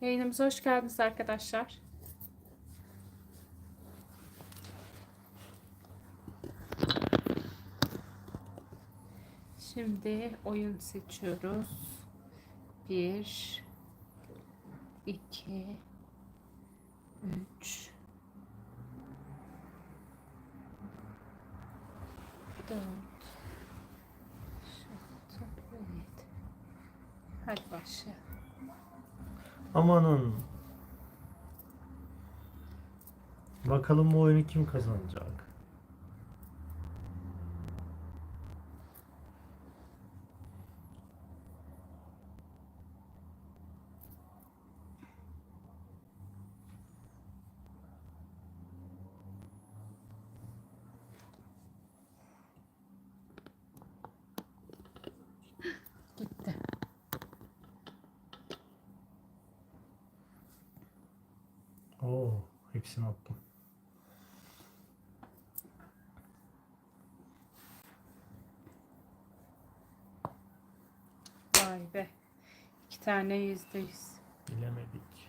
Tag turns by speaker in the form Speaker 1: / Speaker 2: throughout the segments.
Speaker 1: Yayınımıza hoş geldiniz arkadaşlar. Şimdi oyun seçiyoruz. 1 2 3 4 Hadi başlayalım.
Speaker 2: Amanın. Bakalım bu oyunu kim kazanacak?
Speaker 1: Gitti.
Speaker 2: Oo, hepsini attım.
Speaker 1: Vay be. 2 tane %100.
Speaker 2: Bilemedik.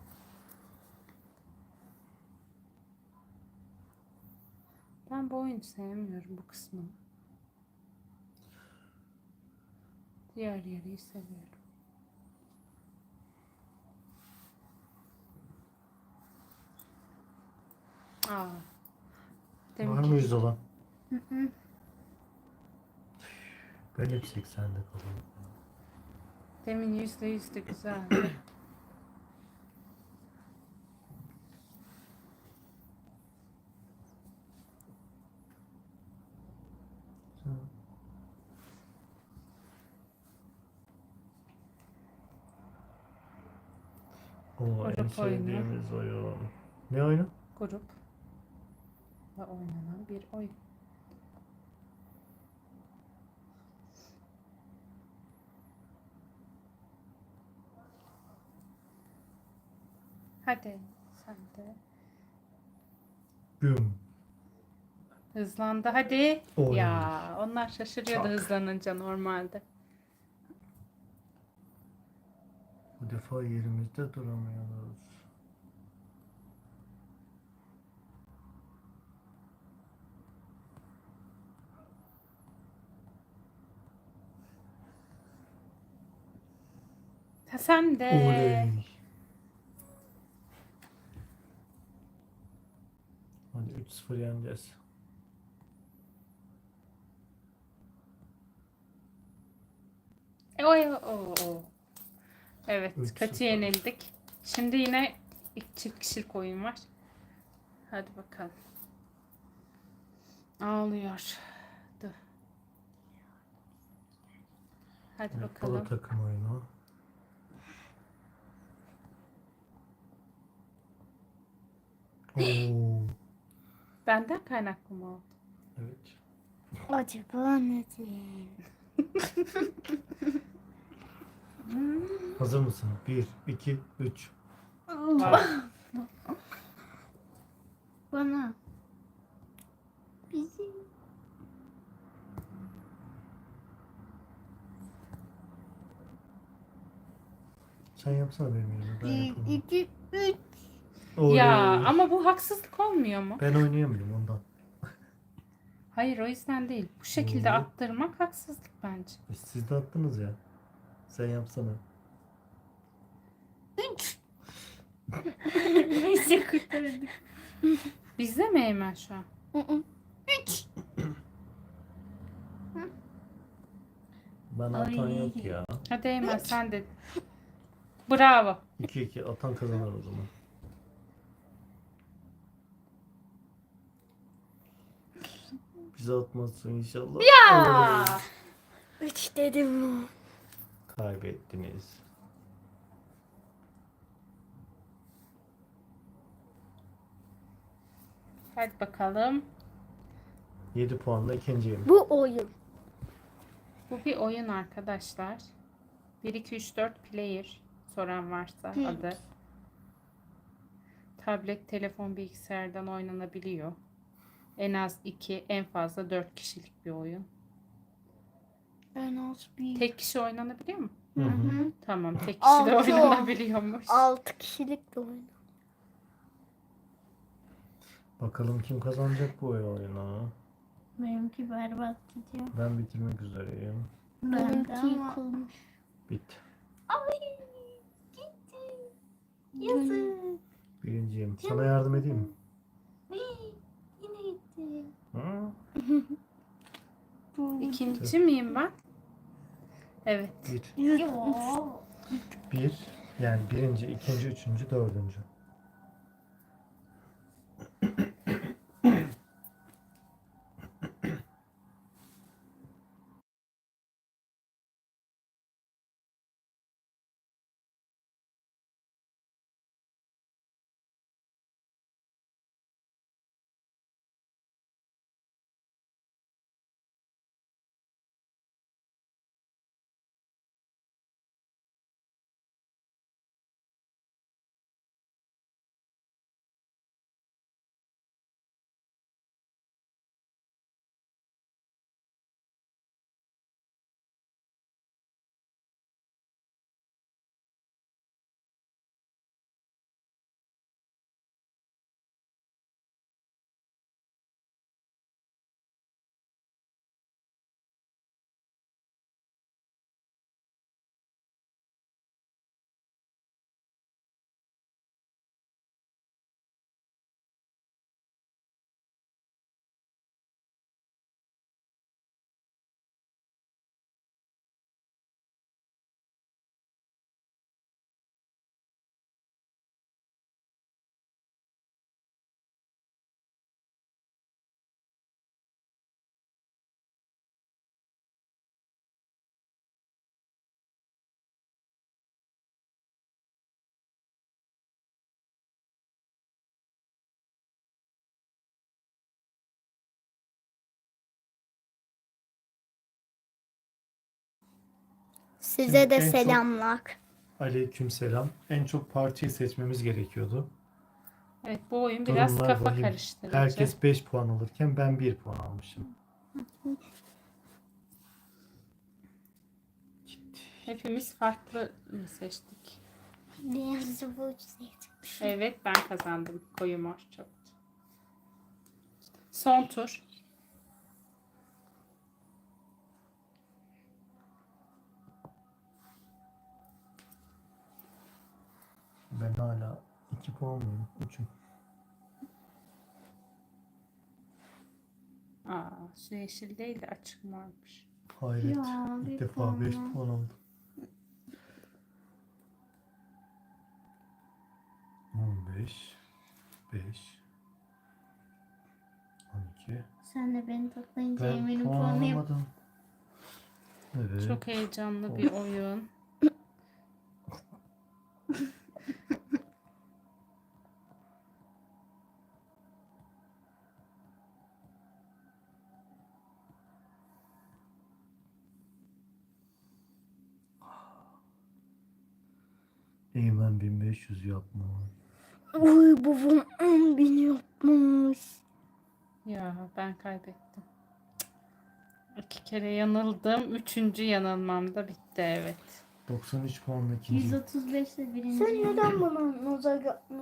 Speaker 1: Ben bu oyunu sevmiyorum, bu kısmını. Diğer yeri seviyorum. Aa.
Speaker 2: Var mı 100 olan?
Speaker 1: Hı.
Speaker 2: Ben hep 80'de kalıyorum.
Speaker 1: Demin %100'dü, güzeldi.
Speaker 2: Oo, en
Speaker 1: Grup oyunu.
Speaker 2: sevdiğimiz oyun. Ne oyunu?
Speaker 1: Grupla oynanan bir oyun. Hadi sen de.
Speaker 2: Güm.
Speaker 1: Hızlandı hadi.
Speaker 2: Oy.
Speaker 1: Ya onlar şaşırıyordu
Speaker 2: Çak.
Speaker 1: hızlanınca normalde.
Speaker 2: Bu defa yerimizde duramıyoruz.
Speaker 1: Sen de.
Speaker 2: Oley. Hadi 3-0 yeneceğiz.
Speaker 1: O. Evet,
Speaker 2: 3-0.
Speaker 1: kötü yenildik. Şimdi yine çift kişilik oyun var. Hadi bakalım. Ağlıyor. Dur. Hadi
Speaker 2: Evet, bu da
Speaker 1: bakalım.
Speaker 2: takım oyunu. Oo.
Speaker 1: Benden kaynaklı mı oldu?
Speaker 2: Evet.
Speaker 3: Acaba neden?
Speaker 2: Hazır mısın? 1, 2, 3.
Speaker 1: Var.
Speaker 3: Bana. Bizim.
Speaker 2: Sen yapsana benim yerime. Ben
Speaker 3: 1,
Speaker 2: yapamam.
Speaker 3: 2, 3.
Speaker 2: Oley.
Speaker 1: Ya ama bu haksızlık olmuyor mu?
Speaker 2: Ben oynayamıyorum ondan.
Speaker 1: Hayır, o yüzden değil. Bu şekilde
Speaker 2: Oo.
Speaker 1: attırmak haksızlık bence.
Speaker 2: Siz de attınız ya. Sen yapsana.
Speaker 3: 3.
Speaker 1: Neyse kurtardık. Bizde mi Eymen şu an?
Speaker 3: 3.
Speaker 2: Bana atan yok ya.
Speaker 1: Hadi Eymen sen de. Bravo.
Speaker 2: 2-2 atan kazanır o zaman. Bize atmazsın inşallah.
Speaker 1: Aa!
Speaker 3: 3 dedim.
Speaker 2: Kaybettiniz.
Speaker 1: Hadi bakalım.
Speaker 2: 7 puanla ikinciyim.
Speaker 3: Bu oyun.
Speaker 1: Bu bir oyun arkadaşlar. 1, 2, 3, 4 player soran varsa adı. Tablet, telefon, bilgisayardan oynanabiliyor. En az 2, en fazla 4 kişilik bir oyun.
Speaker 3: En az bir.
Speaker 1: Tek kişi oynanabiliyor mu?
Speaker 2: Hı hı.
Speaker 1: Tamam, tek kişi de
Speaker 3: Altı
Speaker 1: oynanabiliyormuş.
Speaker 3: 6 kişilik de oyun.
Speaker 2: Bakalım kim kazanacak bu oyunu.
Speaker 3: Benimki berbat gidiyor.
Speaker 2: Ben bitirmek üzereyim.
Speaker 3: Benimki yıkılmış.
Speaker 2: Bit.
Speaker 3: Ay gitti. Yazık.
Speaker 2: Birinciyim. Sana yardım edeyim mi?
Speaker 3: Yine gitti.
Speaker 2: Hı?
Speaker 1: İkinci miyim ben? Evet.
Speaker 2: Bir. Bir. Yani birinci, ikinci, üçüncü, dördüncü.
Speaker 3: Size
Speaker 2: Şimdi
Speaker 3: de
Speaker 2: en çok-
Speaker 3: selamlar.
Speaker 2: Aleykümselam. En çok partiyi seçmemiz gerekiyordu.
Speaker 1: Evet, bu oyun biraz
Speaker 2: Durumlar
Speaker 1: kafa
Speaker 2: vahim.
Speaker 1: karıştırıcı.
Speaker 2: Herkes 5 puan alırken ben 1 puan almışım.
Speaker 1: Hepimiz farklı mı seçtik?
Speaker 3: Beyaz bu seçmiş.
Speaker 1: Evet, ben kazandım. Koyu mor çok. Son tur.
Speaker 2: Ben hala 2 puan mıyım? 3'üm.
Speaker 1: Aa, su yeşil değil de açık mormuş.
Speaker 2: Hayret.
Speaker 3: Ya, bir
Speaker 2: İlk defa
Speaker 3: puan
Speaker 2: 5
Speaker 3: ya.
Speaker 2: puan aldım. 15 5 12.
Speaker 3: Sen de beni toplayınca
Speaker 2: Ben
Speaker 3: eminim
Speaker 2: puan
Speaker 3: puanı yap.
Speaker 2: alamadım. Evet.
Speaker 1: Çok heyecanlı bir oyun.
Speaker 2: Eymen 1500 yapma.
Speaker 3: Uy babam 10.000 yapmış.
Speaker 1: Ya ben kaybettim. 2 kere yanıldım. 3. yanılmam da bitti, evet.
Speaker 2: 93 puanla ikinci.
Speaker 3: 135 de birinci. Sen neden bana nazar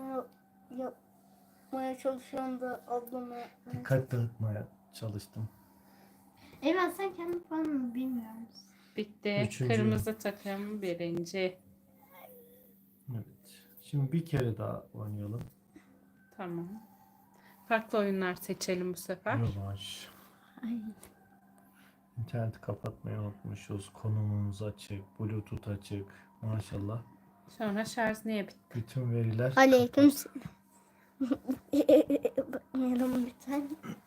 Speaker 3: yapmaya çalışıyorsun da ablama?
Speaker 2: Dikkat dağıtmaya çalıştım.
Speaker 3: Evet sen kendi puanını bilmiyor musun?
Speaker 1: Bitti.
Speaker 2: Üçüncü.
Speaker 1: Kırmızı takım birinci.
Speaker 2: Evet. Şimdi bir kere daha oynayalım.
Speaker 1: Tamam. Farklı oyunlar seçelim bu sefer.
Speaker 2: Rövanş.
Speaker 3: Ay.
Speaker 2: İnterneti kapatmayı unutmuşuz. Konumumuz açık. Bluetooth açık. Maşallah.
Speaker 1: Sonra şarj niye bitti?
Speaker 2: Bütün veriler
Speaker 3: Aleyküm
Speaker 2: kapat.
Speaker 3: Bakmayalım bir tane.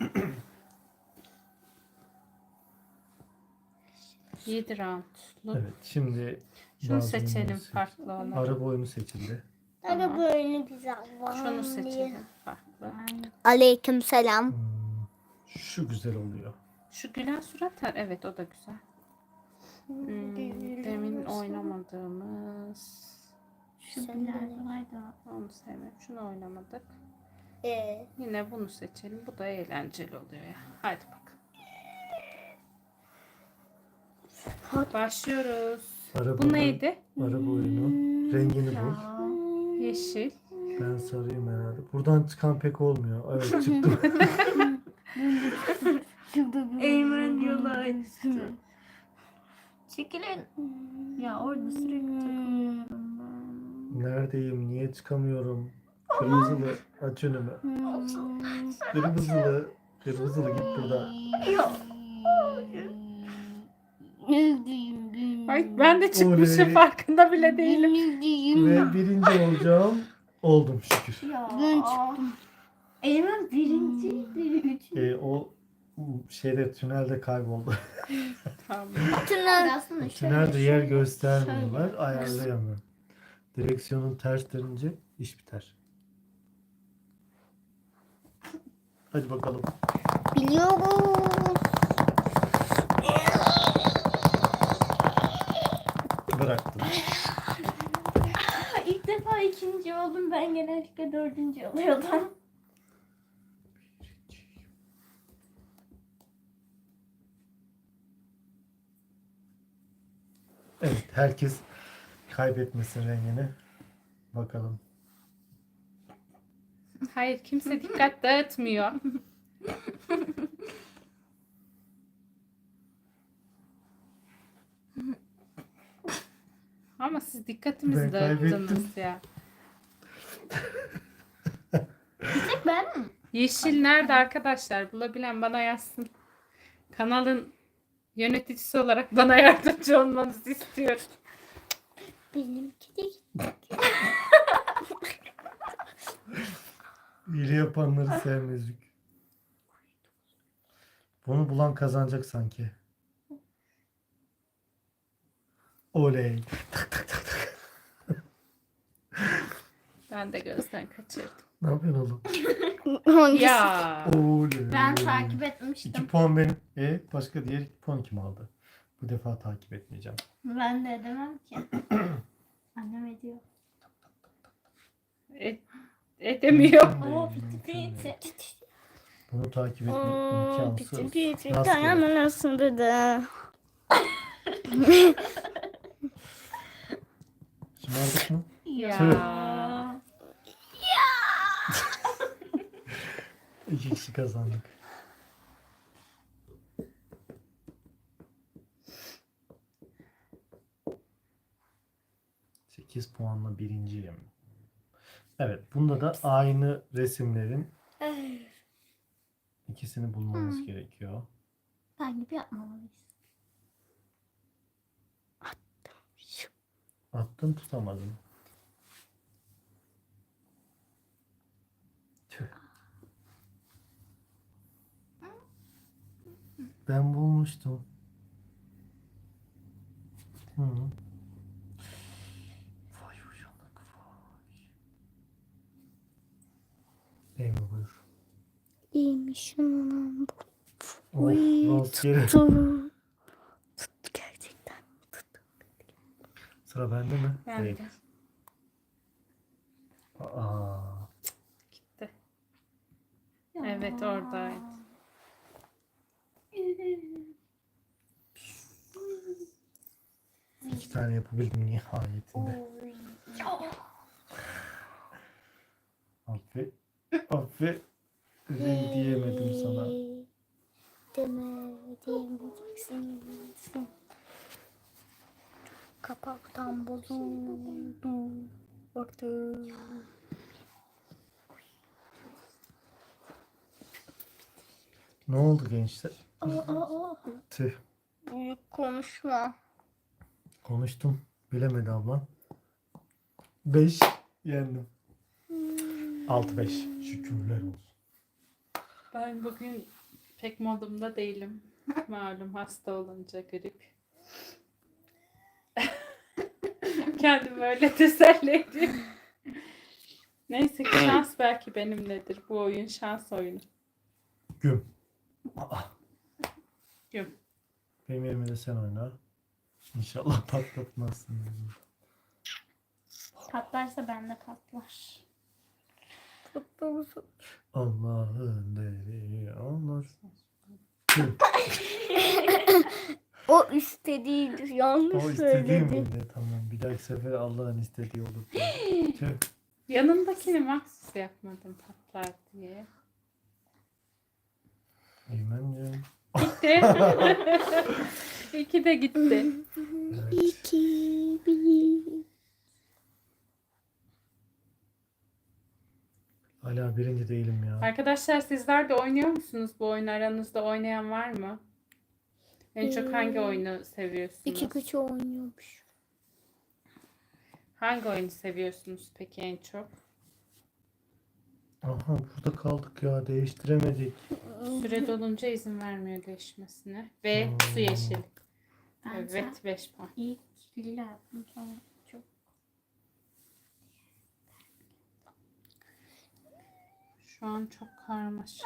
Speaker 1: 7 roundluk.
Speaker 2: Evet. Şimdi
Speaker 1: Şunu
Speaker 2: bazı
Speaker 1: seçelim,
Speaker 2: oyunları seç.
Speaker 1: farklı olan.
Speaker 2: Araba oyunu seçildi.
Speaker 3: Hadi böyle güzel.
Speaker 1: Şunu seçelim, farklı.
Speaker 3: Aleyküm selam.
Speaker 2: Şu güzel oluyor.
Speaker 1: Şu gülen surat, evet, o da güzel. Demin oynamadığımız.
Speaker 3: Şu güzel vardı.
Speaker 1: Onu sevmem. Şunu oynamadık.
Speaker 3: Ee,
Speaker 1: Yine bunu seçelim. Bu da eğlenceli oluyor ya. Hadi bakalım. Başlıyoruz. Bu neydi?
Speaker 2: Araba oyunu. Rengini bul.
Speaker 1: Yeşil.
Speaker 2: Ben sarıyım herhalde. Buradan çıkan pek olmuyor. Evet çıktım.
Speaker 3: Eymen yola açtı. Çekilin. Ya orada sürekli takılıyorum ben.
Speaker 2: Neredeyim? Niye çıkamıyorum? Kırmızılı. Aç önümü. Kırmızılı. Kırmızılı git buradan.
Speaker 1: Ay, ben de çıkmışım,
Speaker 2: Oley.
Speaker 1: farkında bile değilim.
Speaker 2: Ve birinci olacağım. Oldum şükür.
Speaker 3: Ya. Ben çıktım. Eymen birinciydi.
Speaker 2: O şeyde tünelde kayboldu.
Speaker 1: Tamam.
Speaker 3: Tünel aslında
Speaker 2: Tünelde yer göstermiyorlar. Ayarlayamıyorum. Direksiyonun ters dönünce iş biter. Hadi bakalım.
Speaker 3: Biliyorum.
Speaker 2: Bıraktım.
Speaker 3: İlk defa ikinci oldum. Ben genellikle dördüncü oluyordum.
Speaker 2: Evet, herkes kaybetmesin rengini. Bakalım.
Speaker 1: Hayır, kimse dikkat dağıtmıyor. Ama siz dikkatimizi
Speaker 2: Ben
Speaker 1: dağıttınız
Speaker 2: kaybettim.
Speaker 1: ya.
Speaker 3: Tek ben mi?
Speaker 1: Yeşil nerede arkadaşlar? Bulabilen bana yazsın. Kanalın yöneticisi olarak bana yardımcı olmanızı istiyorum.
Speaker 3: Benimki de
Speaker 2: İyiliği yapanları sevmezdik. Bunu bulan kazanacak sanki. Oley.
Speaker 1: Ben de gözden kaçırdım.
Speaker 2: Ne yapıyorsun oğlum?
Speaker 1: Ya.
Speaker 2: Oley.
Speaker 3: Ben takip etmiştim.
Speaker 2: 2 puan benim. Başka diğer 2 puan kim aldı? Bu defa takip etmeyeceğim.
Speaker 3: Ben de edemem ki. Annem ediyor.
Speaker 1: Edemiyor.
Speaker 3: Oo piti piti.
Speaker 2: Bunu takip etmek imkansız.
Speaker 4: Piti
Speaker 2: Rastgele.
Speaker 4: ayağımın arasında da.
Speaker 2: Şımardık mı?
Speaker 1: Ya.
Speaker 2: 2 kişi kazandık. ...8 puanla birinciyim. Evet, bunda da aynı resimlerin ikisini bulmamız gerekiyor.
Speaker 3: Takip yapmamalıyız.
Speaker 2: Attım, tutamadım. Tüh. Ben bulmuştum. Hı. Vay uyanık vay. Değil mi buyur?
Speaker 4: İyiymiş anam.
Speaker 2: Oh,
Speaker 4: Uy,
Speaker 2: rastgele.
Speaker 4: tuttu. Tuttu gerçekten. Tuttu.
Speaker 2: Sıra bende mi?
Speaker 1: Ben
Speaker 2: Değil.
Speaker 1: de.
Speaker 2: Aa,
Speaker 1: Gitti. Evet, oradaydı.
Speaker 2: iki tane yapabildim nihayetinde. Affet. Affet. Renk diyemedim sana.
Speaker 4: Demeyeceksin. Kapaktan bozuldu. Orta.
Speaker 2: Ne oldu gençler? Tüh.
Speaker 4: Büyük konuşma.
Speaker 2: Konuştum. Bilemedi ablam. 5 yendim. 6-5. Şükürler olsun.
Speaker 1: Ben bugün pek modumda değilim. Malum hasta olunca grip. Kendimi öyle teselli ediyorum. Neyse ki şans belki benimledir. Bu oyun şans oyunu.
Speaker 2: Güm. Aa,
Speaker 1: Güm.
Speaker 2: benim yerime de sen oyna. İnşallah patlatmazsın.
Speaker 3: Patlarsa bende patlar.
Speaker 2: Allah'ın deli olur. Tüh.
Speaker 4: O istediğidir. Yanlış
Speaker 2: O istediğim
Speaker 4: söyledin.
Speaker 2: miydi? Tamam. Bir dahaki sefer Allah'ın istediği olur. Tüh.
Speaker 1: Yanındakini mahsus yapmadım patlar diye.
Speaker 2: Eymen'cim.
Speaker 1: Gitti. İki de gitti.
Speaker 2: Evet.
Speaker 4: 2, 1.
Speaker 2: Hala birinci değilim ya.
Speaker 1: Arkadaşlar sizler de oynuyor musunuz bu oyunu? Aranızda oynayan var mı? En çok hangi oyunu seviyorsunuz?
Speaker 4: 2 güç oynuyormuş.
Speaker 1: Hangi oyunu seviyorsunuz peki en çok?
Speaker 2: Aha burada kaldık ya. Değiştiremedik.
Speaker 1: Süre dolunca izin vermiyor değişmesine. Ve su yeşil.
Speaker 3: Ben
Speaker 1: Evet 5 puan.
Speaker 3: ilk lila yaptım sonra çok.
Speaker 1: Şu an çok karmaşık.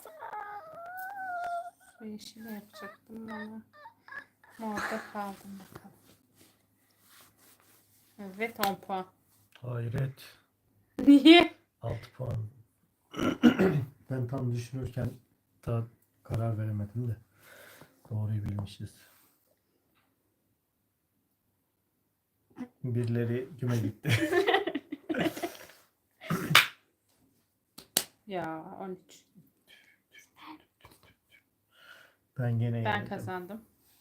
Speaker 1: Su yeşili yapacaktım ama orada kaldım bakalım. Evet 10 puan.
Speaker 2: Hayret.
Speaker 1: Niye?
Speaker 2: 6 puan. Ben tam düşünürken daha karar veremedim de. Doğruyu bilmişiz. Birileri güme gitti.
Speaker 1: Ya 13.
Speaker 2: Ben gene
Speaker 1: Ben
Speaker 2: yenildim.
Speaker 1: kazandım.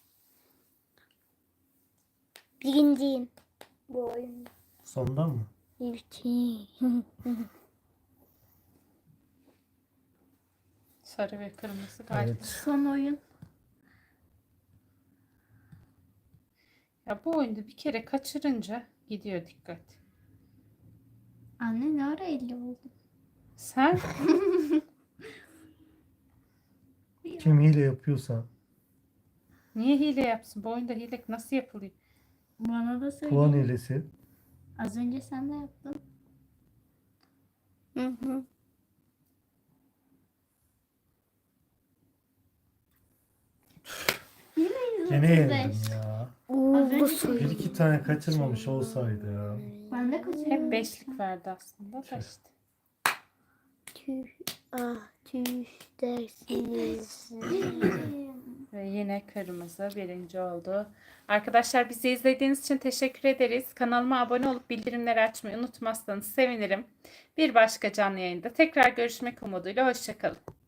Speaker 4: Birinciyim. Bu oyunda.
Speaker 2: Sondan mı?
Speaker 4: İlki.
Speaker 1: Sarı ve kırmızı galiba.
Speaker 2: Evet.
Speaker 3: Son oyun.
Speaker 1: Ya bu oyunda bir kere kaçırınca gidiyor dikkat.
Speaker 3: Anne ne ara 50 oldu?
Speaker 1: Sen
Speaker 2: Kim hile yapıyorsa
Speaker 1: niye hile yapsın? Bu oyunda hile nasıl yapılıyor?
Speaker 3: Bana da söyle.
Speaker 2: puan hilesi.
Speaker 3: Az önce sen de yaptın.
Speaker 4: Hı hı.
Speaker 2: Gene
Speaker 3: 35.
Speaker 2: yenildim ya.
Speaker 3: Az
Speaker 4: Bu
Speaker 3: önce
Speaker 4: soru.
Speaker 2: Bir iki tane kaçırmamış olsaydı ya.
Speaker 3: Ben de kaçırdım.
Speaker 1: Hep beşlik verdi aslında da işte.
Speaker 4: Tüh. Ah tüh dersiniz.
Speaker 1: Ve yine kırmızı birinci oldu. Arkadaşlar bizi izlediğiniz için teşekkür ederiz. Kanalıma abone olup bildirimleri açmayı unutmazsanız sevinirim. Bir başka canlı yayında tekrar görüşmek umuduyla. Hoşça kalın.